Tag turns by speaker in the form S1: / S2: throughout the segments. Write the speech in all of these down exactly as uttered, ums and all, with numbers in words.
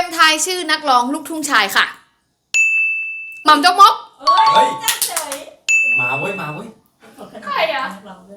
S1: ทายชื่อนักร้องลูกทุ่งชายค่ะหม่ำจกมก
S2: เฮ้ย
S3: จ้าเฉย
S2: มาเว้ยมาเว้ย
S1: ใครอะ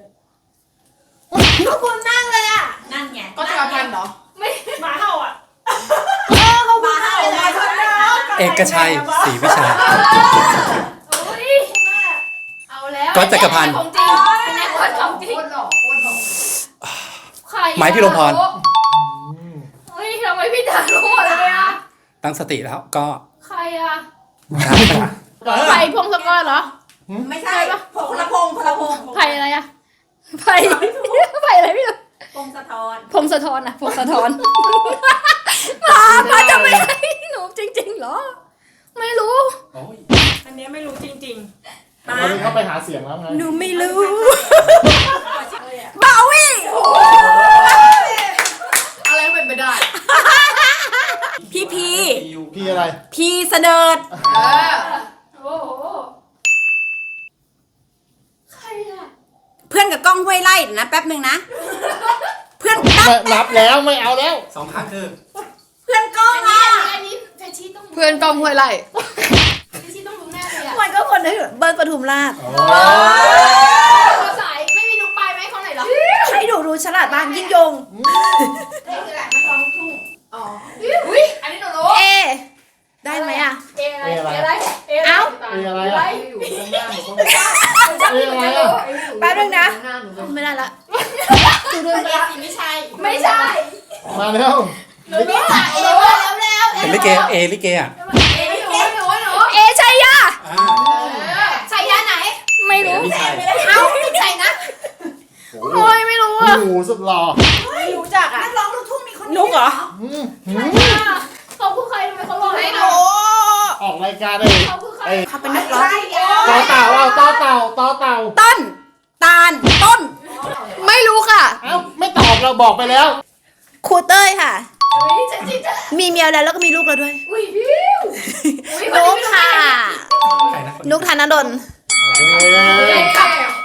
S3: ขอบคุณมากเลยอ่ะนั่นไง
S1: ก็จะพันเหรอไม่
S3: หมาเห่าอ่ะ
S1: เออเขา
S3: หมาเห่ามาชนแล้ว
S4: เอกชัยศรีวิชัย
S1: โอ้ยเอาแล้ว
S4: ก๊อตจักรพันธ์
S1: ของจริงเป็นแน่คนของจริงคนหล่อคนหล่อใครอะ
S4: ไม้พิรมพร
S1: เฮ้ยทำไมพี่จ๋ารู้หมดเลยอะ
S4: ตั้งสติแล้วก็
S1: ใครอะไผ่พงศกรเหรอ
S3: ไม่ใช่พลพงพลพง
S1: ไผ่อะไรอะไผ่ไผ่อะไรพี่รู้
S3: พงสะทอน
S1: พงศธรอะพงศธรมามาจะไม่ให้หนูจริงๆเหรอ ไม่รู้
S2: โอ้ย
S3: อันนี้ไม่รู้จริงๆ
S5: ตอนนี้เขาไปหาเสียงแล้วไง
S1: หนูไม่รู้
S3: บาวี่
S1: อะไรเป็นไปได้
S3: พี่พี
S5: พี่อะไร
S3: พีเสดิร์ด
S1: เออโอ้โหใครอะ
S3: เพื่อนกับกล้องห้วยไร่นะแป๊บหนึ่งนะ เพื่อน
S5: ไม่รับแล้วไม่เอาแล้ว
S2: สองครั้งคือ
S3: เพื่อนกล้อง
S1: อันนี้
S3: อ่ะ
S1: อันนี้แฟชี่ต้องเพื่อนกองห้วยไร่แฟชี่ต้องรู้แน่เลยอะ
S3: มันก็คนนึงเบิร์ดปทุมราช
S1: เขาสายไม่มีนุกปลายไหมเขาไหนเหรอ
S3: ให้ดูดูฉลาดบ้านยิ่งยง
S1: นี่คือแหละนักร้องลูกทุ่งอ๋ออุ้ยอันนี้หนูรู้
S3: เอ ได้ไหมอ่ะ
S1: เออะไรเออะไร
S3: เอ้า
S5: เออะไร
S1: อะไร
S5: อะ
S1: อยู่ตรงหน้าหนูต้อง
S5: เออะไรอ่ะ
S3: แป๊บนึงนะ
S1: หน้าหนู
S3: ไม่ได้ละ
S1: ดูดูไม่ใช่ไม่ใช่
S5: มาแล้ว
S1: หนูรู้จักเอแล้วแล้ว
S4: เป็นลิเกเอลิเกอ่ะ
S1: เอหนูหนูหนู
S3: เอชัยยา
S4: อ่า
S1: ใช่ยาไหน
S3: ไม่รู้
S2: พี่ชาย
S1: เอ้าไม่ใช่นะ
S3: โอ้ยไม่รู้
S5: โอ้
S3: อ่ะ
S5: โหสุดหล่อ
S3: ไม่รู้จักอ่ะนักร้องลูกทุ่งมีคนนุกเหรอ
S5: อืมหืม
S1: เขาคือใครทำไมเขาหล่อ
S3: ไม่
S1: ให้หนู
S3: รู้
S5: ออกรายการเลย
S1: เขาคือใคร
S5: ไอ้
S3: เขาเป็นนักร้อง
S5: ต่อเต่าเอาต่อเต่าต่อเต่า
S3: ต้น ตาล ต้น
S1: ไม่รู้ค่ะ
S5: เอ้าไม่ตอบเราบอกไปแล้ว
S3: ครูเต้ยค่ะ
S1: อุ้ยฉันจิต
S3: มีเมียแล้วแล้วก็มีลูกแล้วด้วย
S1: อุ้ยพิว
S3: นุกค่ะ
S4: ใครนะ
S3: นุกธนดล
S5: เฮ้ย
S1: เก่ง